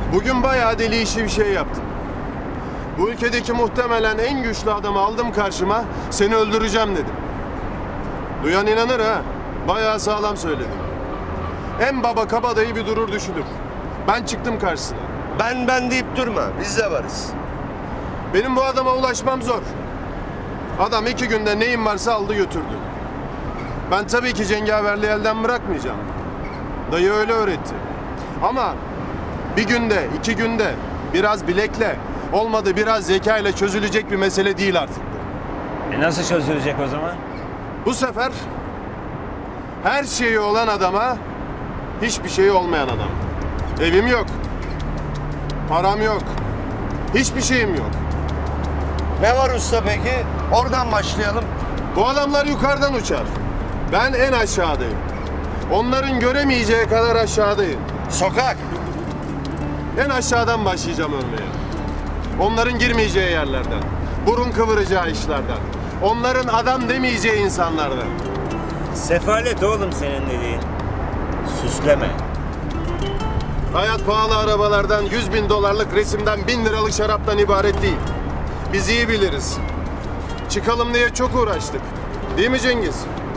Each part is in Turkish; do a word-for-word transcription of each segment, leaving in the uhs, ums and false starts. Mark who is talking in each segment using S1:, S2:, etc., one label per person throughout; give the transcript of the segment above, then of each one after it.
S1: Bugün bayağı deli işi bir şey yaptım. Bu ülkedeki muhtemelen en güçlü adamı aldım karşıma, seni öldüreceğim dedim. Duyan inanır ha, bayağı sağlam söyledim. En baba kabadayı bir durur düşünür. Ben çıktım karşısına.
S2: Ben ben deyip durma, biz de varız.
S1: Benim bu adama ulaşmam zor. Adam iki günde neyim varsa aldı götürdü. Ben tabii ki cengaverliği elden bırakmayacağım. Dayı öyle öğretti. Ama bir günde, iki günde biraz bilekle, olmadı biraz zekayla çözülecek bir mesele değil artık.
S3: E nasıl çözülecek o zaman?
S1: Bu sefer her şeyi olan adama hiçbir şeyi olmayan adam. Evim yok. Param yok. Hiçbir şeyim yok.
S2: Ne var usta peki? Oradan başlayalım.
S1: Bu adamlar yukarıdan uçar. Ben en aşağıdayım. Onların göremeyeceği kadar aşağıdayım.
S2: Sokak.
S1: En aşağıdan başlayacağım ölmeye. Onların girmeyeceği yerlerden. Burun kıvıracağı işlerden. Onların adam demeyeceği insanlardan.
S3: Sefalet oğlum senin dediğin. Süsleme.
S1: Hayat pahalı arabalardan, yüz bin dolarlık resimden, bin liralık şaraptan ibaret değil. Biz iyi biliriz. Çıkalım diye çok uğraştık. Değil mi Cengiz?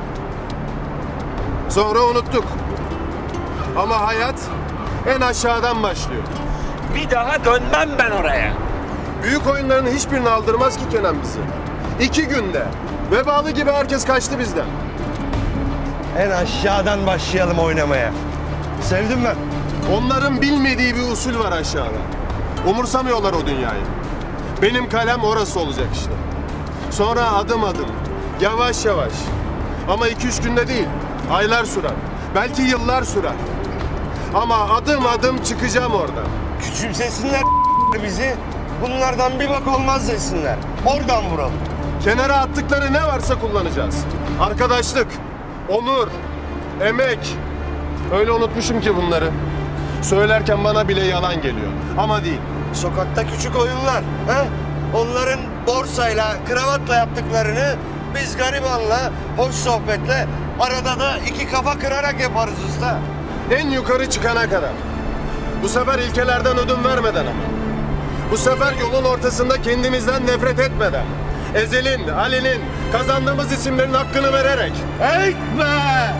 S1: Sonra unuttuk. Ama hayat en aşağıdan başlıyor.
S3: Bir daha dönmem ben oraya.
S1: Büyük oyunların hiçbirini aldırmaz ki Kenan bizi. İki günde vebalı gibi herkes kaçtı bizden.
S2: En aşağıdan başlayalım oynamaya. Sevdim ben.
S1: Onların bilmediği bir usul var aşağıda. Umursamıyorlar o dünyayı. Benim kalem orası olacak işte. Sonra adım adım, yavaş yavaş. Ama iki üç günde değil, aylar sürer. Belki yıllar sürer. Ama adım adım çıkacağım oradan.
S2: Küçümsesinler bizi. Bunlardan bir bak olmaz desinler. Oradan vuralım.
S1: Kenara attıkları ne varsa kullanacağız. Arkadaşlık, onur, emek. Öyle unutmuşum ki bunları. Söylerken bana bile yalan geliyor. Ama değil.
S2: Sokakta küçük oyunlar. He? Onların borsayla, kravatla yaptıklarını biz garibanla, hoş sohbetle, arada da iki kafa kırarak yaparız usta.
S1: En yukarı çıkana kadar. Bu sefer ilkelerden ödün vermeden ama. Bu sefer yolun ortasında kendimizden nefret etmeden. Ezel'in, Ali'nin, kazandığımız isimlerin hakkını vererek.
S2: Eğitme!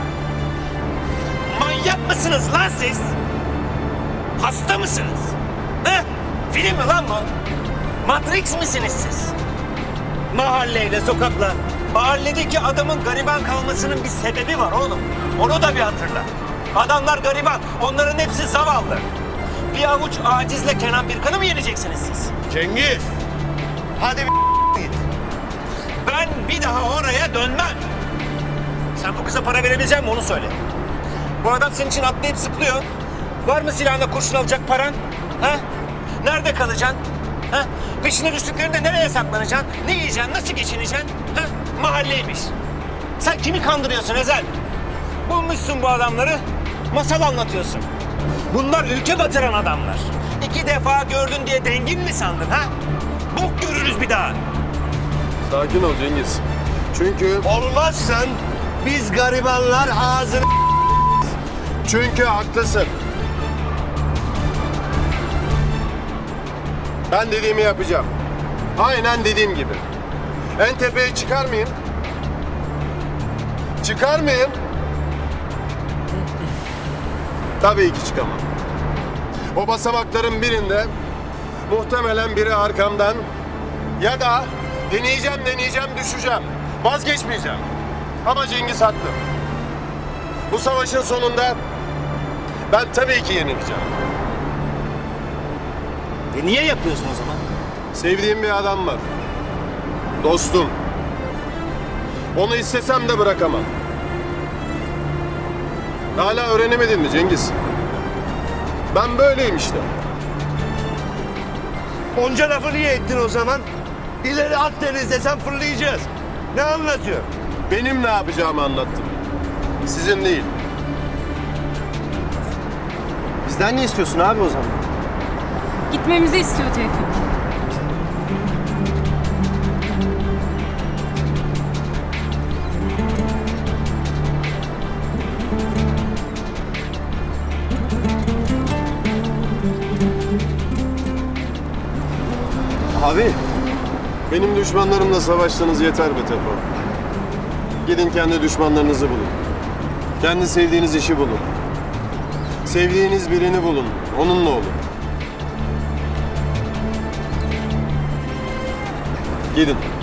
S3: Manyak mısınız lan siz? Hasta mısınız? He? Film mi lan bu? Matrix misiniz siz? Mahalleyle, sokakla, mahalledeki adamın gariban kalmasının bir sebebi var oğlum. Onu da bir hatırla. Adamlar gariban, onların hepsi zavallı. Bir avuç acizle Kenan Birkan'ı mı yeneceksiniz siz?
S2: Cengiz! Hadi bir git.
S3: Ben bir daha oraya dönmem. Sen bu kıza para verebilecek misin onu söyle. Bu adam senin için atlayıp zıplıyor. Var mı silahına kurşun alacak paran? Ha? Nerede kalacaksın? Ha? Peşine düştüklerinde nereye saklanacaksın? Ne yiyeceksin? Nasıl geçineceksin? Ha? Mahalleymiş. Sen kimi kandırıyorsun Ezel? Bulmuşsun bu adamları, masal anlatıyorsun. Bunlar ülke batıran adamlar. İki defa gördün diye dengin mi sandın ha? Bok görürüz bir daha.
S1: Sakin ol Cengiz. Çünkü...
S2: Olmazsan biz garibanlar ağzını...
S1: Çünkü haklısın. Ben dediğimi yapacağım. Aynen dediğim gibi. En tepeye çıkar mıyım? Çıkar mıyım? Tabii ki çıkamam. O basamakların birinde muhtemelen biri arkamdan ya da deneyeceğim deneyeceğim düşeceğim. Vazgeçmeyeceğim. Ama Cengiz haklı. Bu savaşın sonunda ben tabii ki yenileceğim.
S3: E niye yapıyorsun o zaman?
S1: Sevdiğim bir adam var. Dostum. Onu istesem de bırakamam. Hala öğrenemedin mi Cengiz? Ben böyleyim işte.
S2: Onca lafı niye ettin o zaman? İleri Akdeniz desem fırlayacağız. Ne anlatıyor?
S1: Benim ne yapacağımı anlattım. Sizin değil.
S4: Bizden ne istiyorsun abi o zaman?
S5: Gitmemizi istiyor Tevfik.
S4: Abi.
S1: Benim düşmanlarımla savaştığınız yeter be Tefo. Gidin kendi düşmanlarınızı bulun. Kendi sevdiğiniz işi bulun. Sevdiğiniz birini bulun. Onunla olun. Gidin.